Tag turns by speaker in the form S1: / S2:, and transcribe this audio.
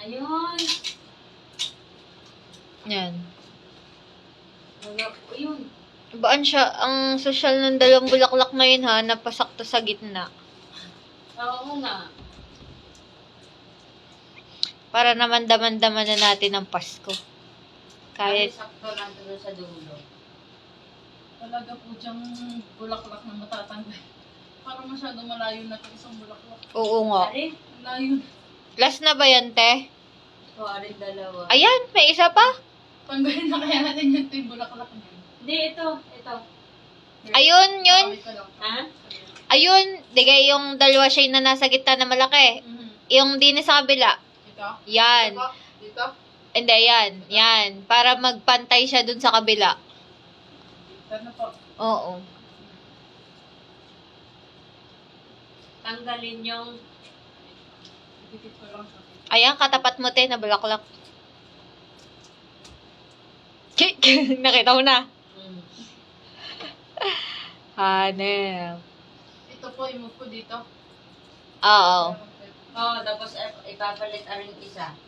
S1: Ayun.
S2: Yan.
S1: Ayun.
S2: Baan siya, ang social ng dalawang bulaklak na yun ha, napasakto sa gitna.
S1: Oo nga.
S2: Para naman daman-daman na natin ang Pasko.
S1: Kahit
S2: Kahit,
S1: sakto lang doon sa dulo.
S3: Talaga po diyang bulaklak na matatanggal. Parang masyado malayo na itong isang bulaklak.
S2: oo nga.
S1: Arin?
S3: Ang layo.
S2: Last na ba yan, te?
S1: O, arin dalawa.
S2: Ayan, may isa pa.
S3: Tanggalin na kaya natin yung bulaklak niya.
S1: Hindi, ito. Ito.
S2: Ayun, yun.
S3: Sabi ko lang.
S1: Ha?
S2: Ayun, digay yung dalawa siya na nasa gitna na malaki.
S3: Mhm.
S2: Yung din sa kabila.
S3: Ito?
S2: Yan.
S3: Ito? Dito?
S2: Hindi, yan. Yan. Para magpantay siya dun sa kabila.
S3: Ito na po.
S2: Oo.
S1: Tanggalin yung...
S3: Dikit ko lang siya.
S2: Ayan, katapat mo, te, na bulaklak. Nakita mo na.
S1: Hmm.
S2: Hanel.
S3: Ito po, i-move ko dito.
S2: Oo.
S1: Oo, tapos ipapalit aring isa.